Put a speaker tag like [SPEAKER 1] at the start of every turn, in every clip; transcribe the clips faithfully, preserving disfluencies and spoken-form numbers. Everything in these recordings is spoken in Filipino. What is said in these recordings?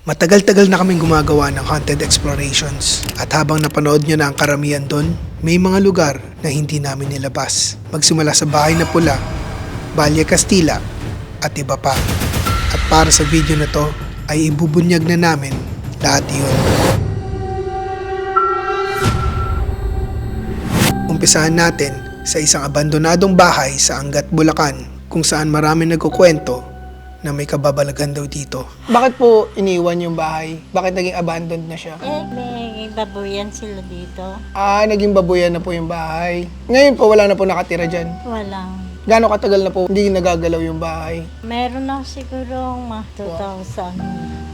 [SPEAKER 1] Matagal-tagal na kaming gumagawa ng haunted explorations at habang napanood nyo na ang karamihan doon, may mga lugar na hindi namin nilabas. Magsimula sa Bahay na Pula, Balye Castilla at iba pa. At para sa video na to ay ibubunyag na namin lahat yun. Umpisahan natin sa isang abandonadong bahay sa Angat, Bulacan kung saan maraming nagkukwento na may kababalagan daw dito. Bakit po iniwan yung bahay? Bakit naging abandoned na siya?
[SPEAKER 2] Eh, may babuyan sila dito.
[SPEAKER 1] Ah, naging babuyan na po yung bahay. Ngayon po, wala na po nakatira dyan.
[SPEAKER 2] Walang.
[SPEAKER 1] Gaano katagal na po hindi nagagalaw yung bahay?
[SPEAKER 2] Meron na siguro mga two thousand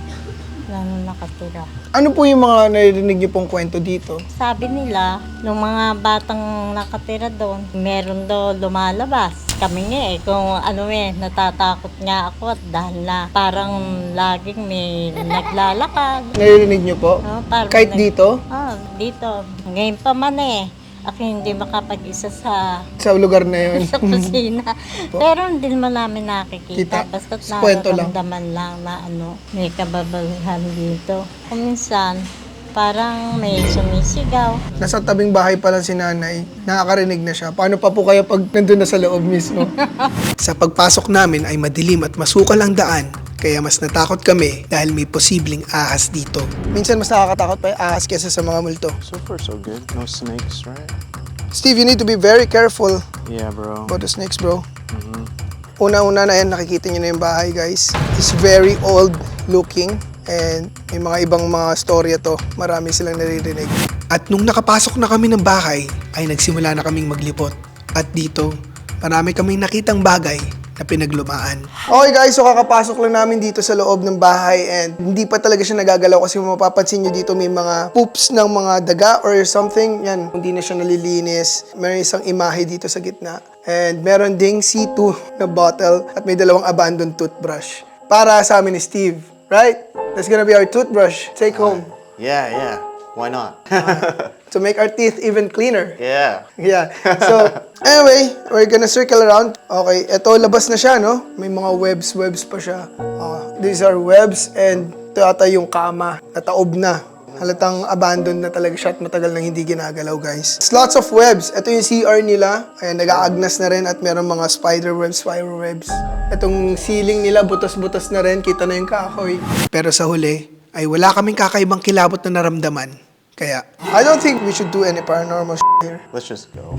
[SPEAKER 2] na nakatira.
[SPEAKER 1] Ano po yung mga naririnig niyo pong kwento dito?
[SPEAKER 2] Sabi nila, nung mga batang nakatira doon, meron daw lumalabas. Kami nga eh, kung ano eh, natatakot nga ako at dahil na parang laging may naglalakad.
[SPEAKER 1] Naririnig niyo po?
[SPEAKER 2] Oh, parang
[SPEAKER 1] Kahit
[SPEAKER 2] nag-
[SPEAKER 1] dito?
[SPEAKER 2] Oh, dito. Ngayon pa man eh. Ako hindi makapag-isa sa
[SPEAKER 1] Sa lugar na yun?
[SPEAKER 2] sa kusina. Pero hindi naman namin
[SPEAKER 1] Kita.
[SPEAKER 2] nakikita. Basta
[SPEAKER 1] Sa kwento lang.
[SPEAKER 2] nararamdaman lang na ano, may kababalahan dito. Kung minsan, parang may sumisigaw.
[SPEAKER 1] Nasa tabing bahay pa lang si nanay, nakakarinig na siya. Paano pa po kayo pag nandun na sa loob mismo? Sa pagpasok namin ay madilim at masukal ang daan, kaya mas natakot kami dahil may posibleng ahas dito. Minsan mas nakakatakot pa yung ahas kesa sa mga multo.
[SPEAKER 3] So far, so good. No snakes, right?
[SPEAKER 1] Steve, you need to be very careful
[SPEAKER 3] Yeah, bro.
[SPEAKER 1] about the snakes, bro.
[SPEAKER 3] Mm-hmm.
[SPEAKER 1] Una-una na yan, nakikita nyo na yung bahay, guys. It's very old looking. And may mga ibang mga storya to, marami silang naririnig. At nung nakapasok na kami ng bahay, ay nagsimula na kaming maglipot. At dito, marami kaming nakitang bagay na pinaglumaan. Okay guys, so kakapasok lang namin dito sa loob ng bahay and hindi pa talaga siya nagagalaw kasi mapapansin nyo dito may mga poops ng mga daga or something. Yan, hindi na siya nalilinis. Meron isang imahe dito sa gitna. And meron ding C two na bottle at may dalawang abandoned toothbrush. Para sa amin ni Steve. Right? That's gonna be our toothbrush. Take home.
[SPEAKER 3] Yeah, yeah. Why not?
[SPEAKER 1] To make our teeth even cleaner.
[SPEAKER 3] Yeah.
[SPEAKER 1] Yeah. So, anyway, we're gonna circle around. Okay, eto labas na siya, no? May mga webs, webs pa siya. Uh, these are webs and ito ata yung kama. Nataob na. Halatang abandoned na talaga siya at matagal nang hindi ginagalaw, guys. It's lots of webs. Ito yung C R nila. Ayan, nag-aagnas na rin at meron mga spider webs, spider webs. Itong ceiling nila, butas-butas na rin. Kita na yung kahoy. Pero sa huli, ay wala kaming kakaibang kilabot na naramdaman. Kaya, I don't think we should do any paranormal shit here.
[SPEAKER 3] Let's just go.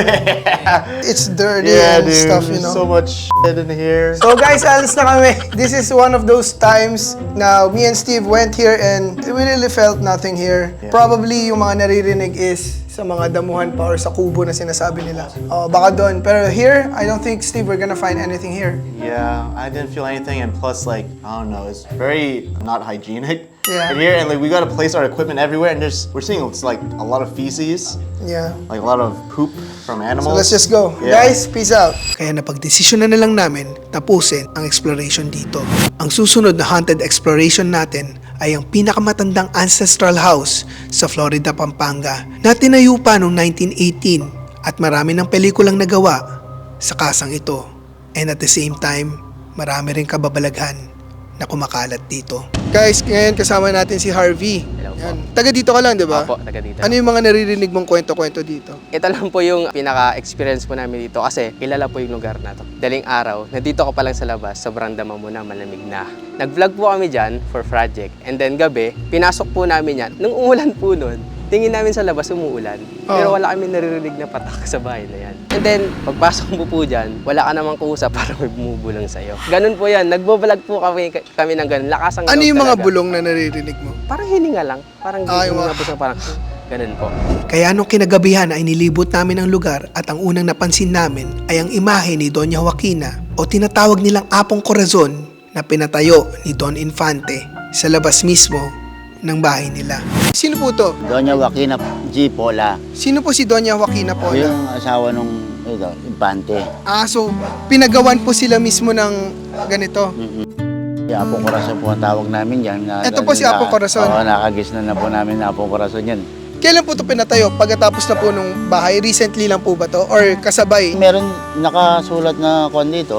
[SPEAKER 1] Yeah. It's dirty
[SPEAKER 3] Yeah,
[SPEAKER 1] and
[SPEAKER 3] dude.
[SPEAKER 1] stuff, you
[SPEAKER 3] There's
[SPEAKER 1] know.
[SPEAKER 3] so much shit in here.
[SPEAKER 1] So guys, alis na kami. This is one of those times na me and Steve went here and we really felt nothing here.
[SPEAKER 3] Yeah.
[SPEAKER 1] Probably yung mga naririnig is sa mga damuhan pa or sa kubo na sinasabi nila. Oh, baka doon. Pero here, I don't think, Steve, we're gonna find anything here.
[SPEAKER 3] Yeah, I didn't feel anything, and plus, like, I don't know, it's very not hygienic
[SPEAKER 1] Yeah.
[SPEAKER 3] in here, and like we gotta place our equipment everywhere, and there's we're seeing it's like a lot of feces,
[SPEAKER 1] Yeah.
[SPEAKER 3] like a lot of poop from
[SPEAKER 1] So
[SPEAKER 3] animals.
[SPEAKER 1] let's just go.
[SPEAKER 3] Yeah.
[SPEAKER 1] Guys, peace out. Kaya napagdesisyon na na lang namin tapusin ang exploration dito. Ang susunod na haunted exploration natin ay ang pinakamatandang ancestral house sa Florida, Pampanga na tinayo pa noong nineteen eighteen at marami ng pelikulang nagawa sa kasang ito. And at the same time, marami rin kababalaghan na kumakalat dito. Guys, ngayon kasama natin si Harvey.
[SPEAKER 4] Hello po.
[SPEAKER 1] Yan. Taga dito ka lang, di ba?
[SPEAKER 4] Opo, taga dito.
[SPEAKER 1] Ano yung mga naririnig mong kwento-kwento dito?
[SPEAKER 4] Ito lang po yung pinaka-experience po namin dito kasi kilala po yung lugar na to. Daling araw, nandito ko pa lang sa labas, sobrang dama mo na, malamig na. Nag-vlog po kami dyan for project. And then gabi, pinasok po namin yan. Nung umulan po nun, tingin namin sa labas umuulan. Pero
[SPEAKER 1] Oh.
[SPEAKER 4] wala kami naririnig na patak sa bahay na yan. And then, pagpasok mo po dyan, wala ka namang kuusap para may bumubulang sa'yo. Ganun po yan. Nagbo-vlog po kami, kami ng ganun. Lakas ang
[SPEAKER 1] Ano
[SPEAKER 4] loob
[SPEAKER 1] yung mga
[SPEAKER 4] talaga.
[SPEAKER 1] bulong na naririnig mo?
[SPEAKER 4] Parang hininga lang. Parang
[SPEAKER 1] Ah, yung
[SPEAKER 4] hininga
[SPEAKER 1] mga-
[SPEAKER 4] po sa parang ganun po.
[SPEAKER 1] Kaya nung kinagabihan ay nilibot namin ang lugar at ang unang napansin namin ay ang imahe ni Doña Joaquina o tinatawag nilang Apong Corazon na pinatayo ni Don Infante sa labas mismo ng bahay nila. Sino po to?
[SPEAKER 5] Doña Joaquina G. Pola.
[SPEAKER 1] Sino po si Doña Joaquina po?
[SPEAKER 5] Yung asawa nung ito, Infante.
[SPEAKER 1] Ah, so pinagawan po sila mismo ng ganito.
[SPEAKER 5] Si Apo Corazon po ang tawag namin yan. Na,
[SPEAKER 1] Ito po si Apo Corazon.
[SPEAKER 5] Oo, nakagis na na po namin na Apo Corazon yan.
[SPEAKER 1] Kailan po ito pinatayo? Pagkatapos na po nung bahay? Recently lang po ba to? Or kasabay?
[SPEAKER 5] Meron nakasulat na kon dito, kung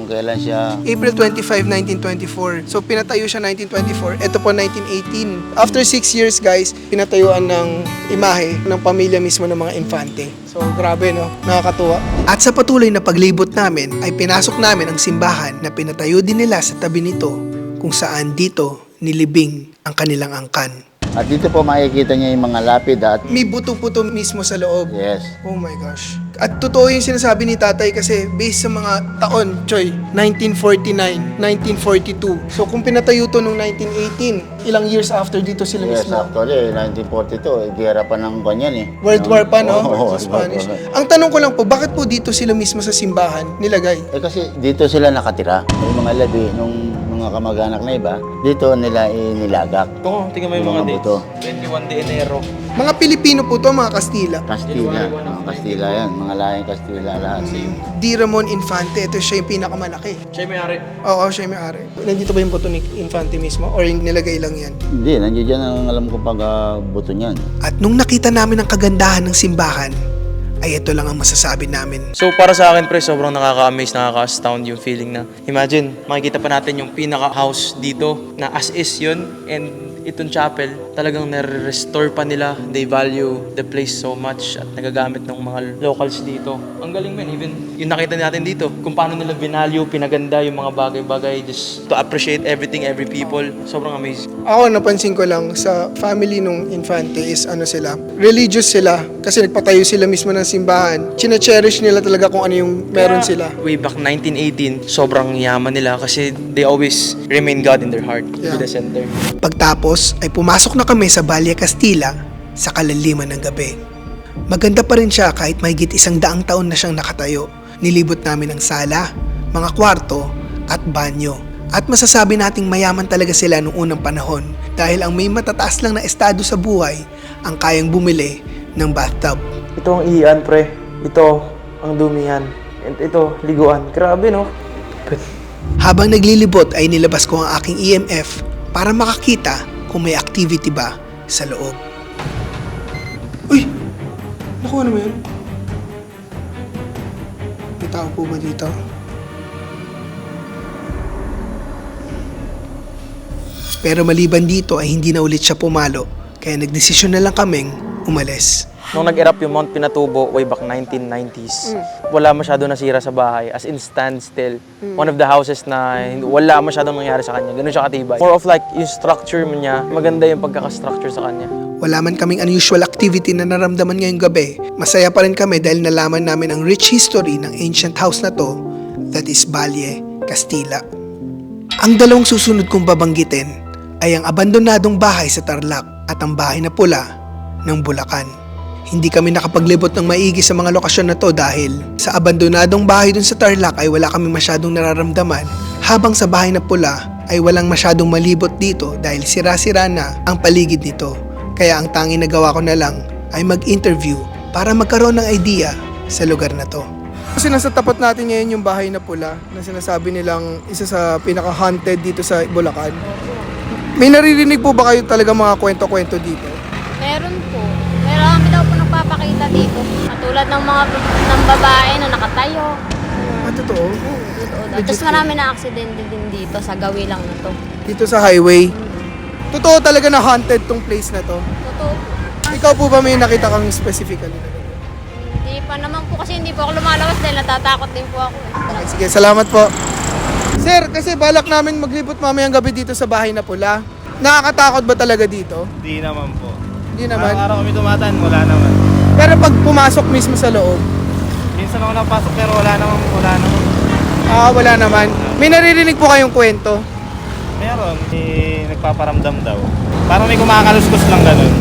[SPEAKER 5] kailan siya.
[SPEAKER 1] April twenty-fifth, nineteen twenty-four. So, pinatayo siya nineteen twenty-four. Ito po, nineteen eighteen. After six years, guys, pinatayuan ng imahe ng pamilya mismo ng mga infante. So, grabe, no? Nakakatuwa. At sa patuloy na paglibot namin, ay pinasok namin ang simbahan na pinatayo din nila sa tabi nito, kung saan dito nilibing ang kanilang angkan.
[SPEAKER 5] At dito po makikita niya yung mga lapid at
[SPEAKER 1] May buto-buto mismo sa loob.
[SPEAKER 5] yes.
[SPEAKER 1] Oh my gosh. At totoo yung sinasabi ni tatay kasi based sa mga taon, Choy, nineteen forty-nine, nineteen forty-two. So kung pinatayo to nung nineteen eighteen, ilang years after dito sila
[SPEAKER 5] Yes,
[SPEAKER 1] mismo.
[SPEAKER 5] actually, nineteen forty-two, eh, giyera pa ng kanyan eh.
[SPEAKER 1] World War pa, no?
[SPEAKER 5] Oo,
[SPEAKER 1] Sa
[SPEAKER 5] World
[SPEAKER 1] Spanish.
[SPEAKER 5] War pa.
[SPEAKER 1] Ang tanong ko lang po, bakit po dito sila mismo sa simbahan nilagay?
[SPEAKER 5] Eh kasi dito sila nakatira. Yung mga labi, nung mga kamag-anak na iba, dito nila inilagak.
[SPEAKER 6] Oo, tingnan mo yung
[SPEAKER 5] Yung
[SPEAKER 6] mga
[SPEAKER 5] mga
[SPEAKER 6] dates.
[SPEAKER 5] buto.
[SPEAKER 6] twenty-one de Enero.
[SPEAKER 1] Mga Pilipino po to, mga Kastila.
[SPEAKER 5] Kastila, mga Kastila yan, mga lahing Kastila lahat.
[SPEAKER 1] Di Ramon Infante, ito siya yung pinakamalaki.
[SPEAKER 6] Siya yung may-ari.
[SPEAKER 1] Oo, siya yung may-ari. Nandito ba yung buto ni Infante mismo? Or yung nilagay lang yan?
[SPEAKER 5] Hindi, nandiyan dyan ang alam ko pag ah, buto niyan.
[SPEAKER 1] At nung nakita namin ang kagandahan ng simbahan, ay ito lang ang masasabi namin.
[SPEAKER 6] So para sa akin pre, sobrang nakaka-amaze, nakaka-astound yung feeling na imagine, makikita pa natin yung pinaka-house dito na as is yun, and itong chapel, talagang nare-restore pa nila. They value the place so much at nagagamit ng mga locals dito. Ang galing man, even yung nakita natin dito, kung paano nila binalue, pinaganda yung mga bagay-bagay just to appreciate everything, every people. Sobrang amazing.
[SPEAKER 1] Ako, napansin ko lang sa family nung Infante is ano sila, religious sila kasi nagpatayo sila mismo ng simbahan. Chine-cherish nila talaga kung ano yung meron
[SPEAKER 6] Kaya,
[SPEAKER 1] sila.
[SPEAKER 6] Way back nineteen eighteen, sobrang yaman nila kasi they always remain God in their heart,
[SPEAKER 1] Yeah.
[SPEAKER 6] to the center.
[SPEAKER 1] Pagtapos ay pumasok na kami sa Valle Castilla sa kalaliman ng gabi. Maganda pa rin siya kahit mahigit isang daang taon na siyang nakatayo. Nilibot namin ang sala, mga kwarto at banyo. At masasabi nating mayaman talaga sila noong unang panahon dahil ang may matataas lang na estado sa buhay ang kayang bumili ng bathtub.
[SPEAKER 6] Ito ang iyan, pre. Ito ang dumihan. And ito, liguan. Grabe, no?
[SPEAKER 1] Habang naglilibot ay nilabas ko ang aking E M F para makakita kung may activity ba sa loob. Uy! Nakuha naman yun. May tao po ba dito? Pero maliban dito ay hindi na ulit siya pumalo kaya nagdesisyon na lang kaming umalis.
[SPEAKER 6] Nung nag-erupt yung Mount Pinatubo way back nineteen nineties, wala masyado nasira sa bahay. As in standstill. One of the houses na hindi- wala masyadong nangyari sa kanya. Ganun siya katibay. More of like yung structure niya, maganda yung pagkaka-structure sa kanya.
[SPEAKER 1] Wala man kaming unusual activity na naramdaman ngayong gabi, masaya pa rin kami dahil nalaman namin ang rich history ng ancient house na to, that is Valle Castilla. Ang dalawang susunod kong babanggitin ay ang abandonadong bahay sa Tarlac at ang bahay na pula ng Bulacan. Hindi kami nakapaglibot ng maigi sa mga lokasyon na to dahil sa abandonadong bahay dun sa Tarlac ay wala kami masyadong nararamdaman, habang sa bahay na pula ay walang masyadong malibot dito dahil sira-sira na ang paligid nito. Kaya ang tanging nagawa ko na lang ay mag-interview para magkaroon ng idea sa lugar na to. Kasi nasa tapat natin ngayon yung bahay na pula na sinasabi nilang isa sa pinaka-haunted dito sa Bulacan. May naririnig po ba kayo talaga mga kwento-kwento dito?
[SPEAKER 7] Meron po. Pero kami daw po nagpapakita dito. Katulad ng mga ng babae na nakatayo.
[SPEAKER 1] Ah, totoo?
[SPEAKER 7] Totoo daw. Tapos marami na aksidente din dito sa gawi lang na to.
[SPEAKER 1] Dito sa highway. Totoo talaga na haunted tong place na to.
[SPEAKER 7] Totoo po.
[SPEAKER 1] Ikaw po ba may nakita kang specifically?
[SPEAKER 7] Hindi pa naman po kasi hindi po ako lumalabas dahil natatakot din po ako.
[SPEAKER 1] Okay, sige, salamat po. Sir, kasi balak namin maglibot mamayang gabi dito sa bahay na pula. Nakakatakot ba talaga dito?
[SPEAKER 8] Hindi naman po.
[SPEAKER 1] Hindi naman.
[SPEAKER 8] Araw-araw kami tumataan, wala naman.
[SPEAKER 1] Pero pag pumasok mismo sa loob,
[SPEAKER 8] Minsan ako napasok pero wala naman, wala naman.
[SPEAKER 1] ah, wala naman. May naririnig po kayong kwento.
[SPEAKER 8] Meron, eh, nagpaparamdam daw. Parang may kumakaluskus lang ganun.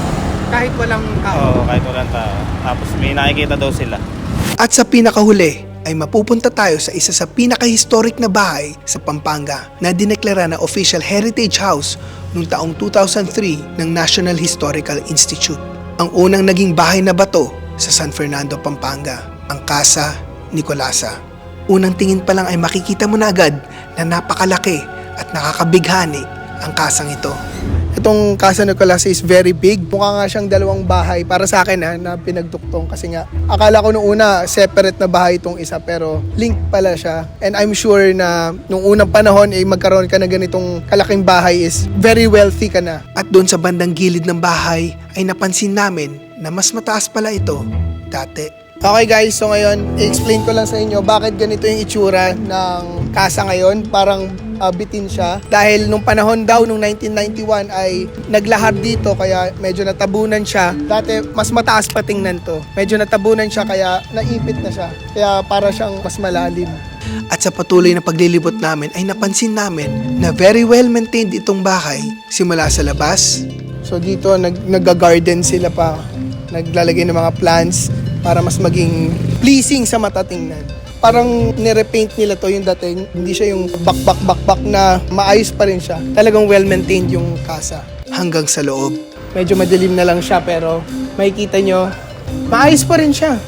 [SPEAKER 1] Kahit walang tao.
[SPEAKER 8] Oo, kahit walang tao. Tapos may nakikita daw sila.
[SPEAKER 1] At sa pinakahuli ay mapupunta tayo sa isa sa pinaka-historic na bahay sa Pampanga na dineklara na official heritage house noong taong two thousand three ng National Historical Institute. Ang unang naging bahay na bato sa San Fernando, Pampanga, ang Casa Nicolasa. Unang tingin pa lang ay makikita mo na agad na napakalaki at nakakabighani ang kasang ito. Itong Casa Nicolas is very big. Mukha nga siyang dalawang bahay para sa akin ha, na pinagduktong kasi nga akala ko nung una separate na bahay itong isa pero link pala siya. And I'm sure na nung unang panahon ay eh, magkaroon ka na ganitong kalaking bahay is very wealthy ka na. At doon sa bandang gilid ng bahay ay napansin namin na mas mataas pala ito dati. Okay guys, so ngayon i-explain ko lang sa inyo bakit ganito yung itsura ng casa ngayon. Parang uh, bitin siya. Dahil nung panahon daw, nung nineteen ninety-one ay naglahar dito kaya medyo natabunan siya. Dati mas mataas pa tingnan to. Medyo natabunan siya kaya naipit na siya. Kaya para siyang mas malalim. At sa patuloy na paglilibot namin ay napansin namin na very well maintained itong bahay simula sa labas. So dito nag nag-garden sila pa. Naglalagay ng mga plants para mas maging pleasing sa mata tingnan. Parang nirepaint nila to yung dating, hindi siya yung bak-bak-bak-bak na maayos pa rin siya. Talagang well-maintained yung casa. Hanggang sa loob. Medyo madilim na lang siya pero makikita nyo, maayos pa rin siya.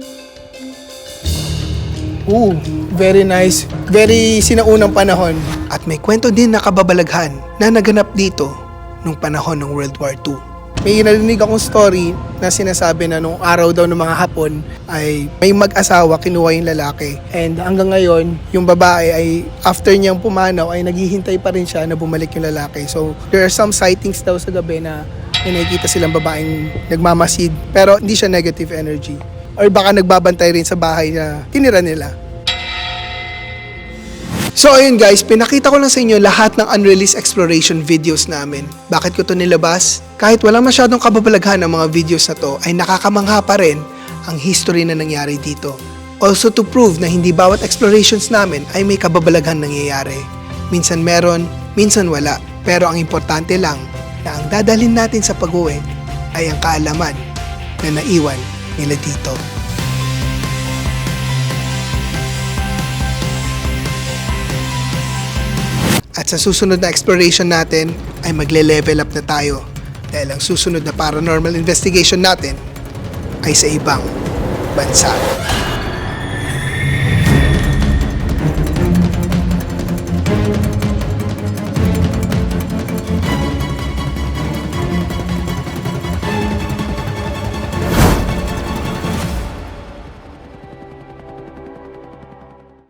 [SPEAKER 1] Ooh, very nice. Very sinaunang panahon. At may kwento din na kababalaghan na naganap dito nung panahon ng World War Two. May narinig akong story na sinasabi na nung araw daw ng mga Hapon ay may mag-asawa kinuha yung lalaki. And hanggang ngayon, yung babae ay after niyang pumanaw ay naghihintay pa rin siya na bumalik yung lalaki. So there are some sightings daw sa gabi na may nakikita silang babaeng nagmamasid pero hindi siya negative energy. Or baka nagbabantay rin sa bahay na tinira nila. So ayun guys, pinakita ko lang sa inyo lahat ng unreleased exploration videos namin. Bakit ko to nilabas? Kahit wala masyadong kababalaghan ng mga videos na to, ay nakakamangha pa rin ang history na nangyari dito. Also to prove na hindi bawat explorations namin ay may kababalaghan nangyayari. Minsan meron, minsan wala. Pero ang importante lang na ang dadalhin natin sa pag-uwi ay ang kaalaman na naiwan nila dito. At sa susunod na exploration natin ay magle-level up na tayo dahil ang susunod na paranormal investigation natin ay sa ibang bansa.